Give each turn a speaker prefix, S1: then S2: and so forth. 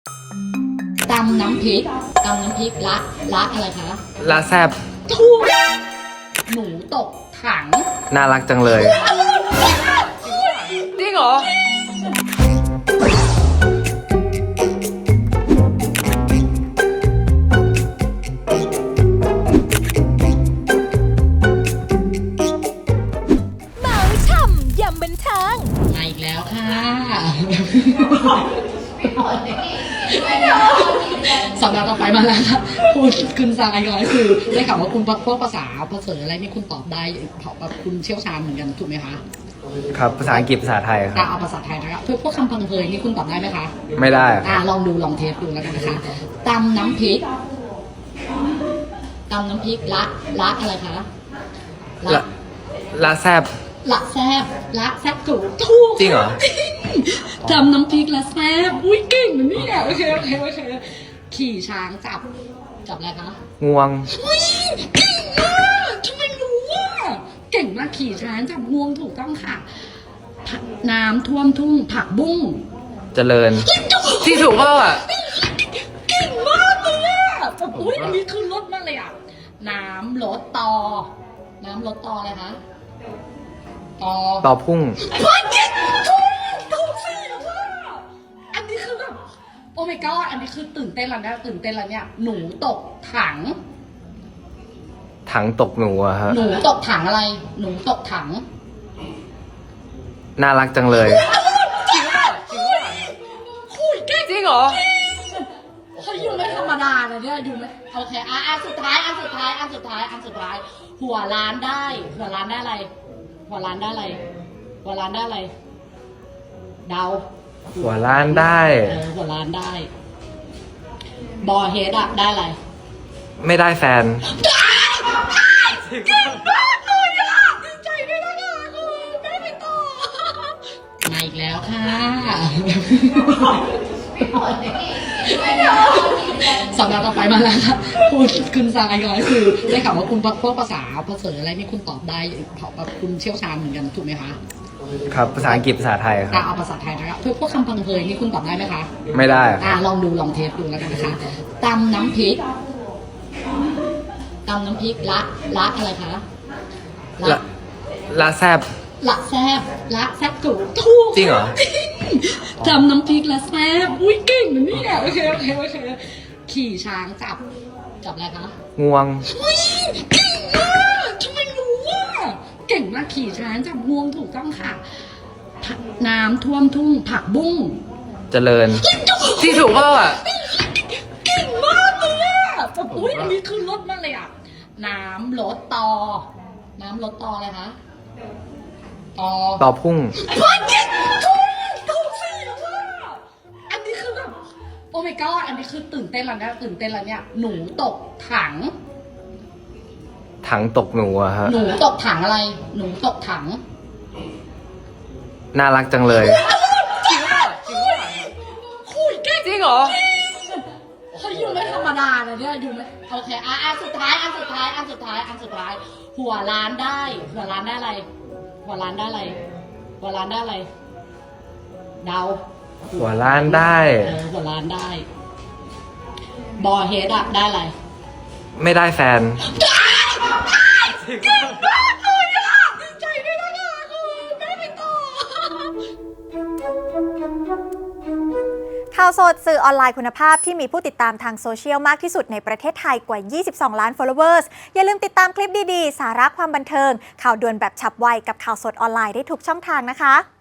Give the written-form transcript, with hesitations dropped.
S1: ตำน้ำพริกละอะไรคะ
S2: ละแซบ
S1: ถูกหนูตกถัง
S2: น่ารักจังเลยจริงเหรอ
S3: เมาช่ำยำบันเทิง
S1: มาอีกแล้วค่ะสัปดาห์ต่อไปมาแล้วค่ะคุณทรายก็คือได้ข่าวว่าคุณพวกภาษาอะไรนี่คุณตอบได้แบบคุณเชี่ยวชาญเหมือนกันถูกไหมคะ
S2: ครับภาษาอังกฤษภาษาไทยครับ
S1: เอาภาษาไทยนะครับพวกคำพังเพยนี่คุณตอบได้ไหมคะ
S2: ไม่ได้
S1: ลองเทสดูแล้วกันนะคะตำน้ำพริกละอะไรคะ
S2: ละแซบ
S1: ละแซบถูก
S2: จริงเหรอ
S1: ตำน้ำพริกละแซบอุ้ยเก่งนะเนี่ยโอเคขี่ช้างจับอะไรคะ
S2: งวง
S1: เก่งมากทำไมรู้ว่าเก่งมากขี่ช้างจับงวงถูกต้องค่ะน้ำท่วมทุ่งผักบุ้ง
S2: เจริญที่ถูกเปล่าอ่ะ
S1: เก่งมากเลยอ่ะแบบอุ้ยอันนี้คือรสมากเลยอ่ะน้ำลดต่ออะไรคะ
S2: ต่อพุ่ง
S1: ถูกสิว่าอันนี้คือแบบโอ้ my god อันนี้คือตื่นเต้นแล้วเนี่ยหนูตกถัง
S2: ตกหนูอะฮะ
S1: หนูตกถังอะไรหนูตกถัง
S2: น่ารักจังเลย
S1: จริงคุยเก่ง
S2: จริงเหรอ
S1: เขาอยู่ไม่ธรรมดาเลยเนี่ยอยู่ไม่โอเคอันสุดท้ายหัวล้านได้อะไรเดา
S2: หัวล้านได้
S1: หัวล้านได้บอเฮดอะได้อะไร
S2: ไม่ได้แฟน
S1: เก่งมากเลยอะดีใจด้วยนะคะได้ไปต่อมาอีกแล้วค่ะสัปดาห์ต่อไปมาแล้วค่ะคุณทรายก็คือได้ข่าวว่าคุณพวกภาษาอะไรนี่คุณตอบได้แบบคุณเชี่ยวชาญเหมือนกันถูกไหมคะ
S2: ครับภาษาอังกฤษภาษาไทยครับ
S1: เอาภาษาไทยนะครับพวกคำพังเพยนี่คุณตอบได้ไหมคะ
S2: ไม่ได้
S1: ลองเทสดูแล้วกันนะคะตำน้ำพริกละอะไรคะ
S2: ละแซบ
S1: ถูก
S2: จริงเหรอ
S1: ตำน้ำพริกละแซบอุ้ยเก่งนะเนี่ยโอเคขี่ช้างจับอะไรคะ
S2: งวง
S1: เก่งมากทำไมรู้ว่าเก่งมากขี่ช้างจับงวงถูกต้องค่ะน้ำท่วมทุ่งผักบุ้ง
S2: เจริญที่ถูกเปล่าอ่ะ
S1: เก่งมากเลยอ่ะแบบอุ้ยอันนี้คือรสมากเลยอ่ะน้ำลดต่ออะไรคะ
S2: ต่อพุ่ง
S1: ถูกสิว่าอันนี้คือแบบโอ้ my god อันนี้คือตื่นเต้นแล้วเนี่ยหนูตกถัง
S2: ตกหนูอะฮะ
S1: หนูตกถังอะไรหนูตกถัง
S2: น่ารักจังเลย
S1: คุยเก่ง
S2: จริงเหรอ
S1: เขาอยู่ไม่ธรรมดาเลยเนี่ยอยู่ไม่โอเคอันสุดท้ายหัวล้านได้อะไรเดา
S2: หัวล้านได้
S1: หัวล้านได้บอเฮดอะได้อะไร
S2: ไม่ได้แฟน
S1: เก่งมากเลยอะดีใจด้วยนะคะได้ไปต่อ
S3: ข่าวสดสื่อออนไลน์คุณภาพที่มีผู้ติดตามทางโซเชียลมากที่สุดในประเทศไทยกว่า 22 ล้าน followers อย่าลืมติดตามคลิปดีๆ สาระความบันเทิงข่าวด่วนแบบฉับไวกับข่าวสดออนไลน์ได้ทุกช่องทางนะคะ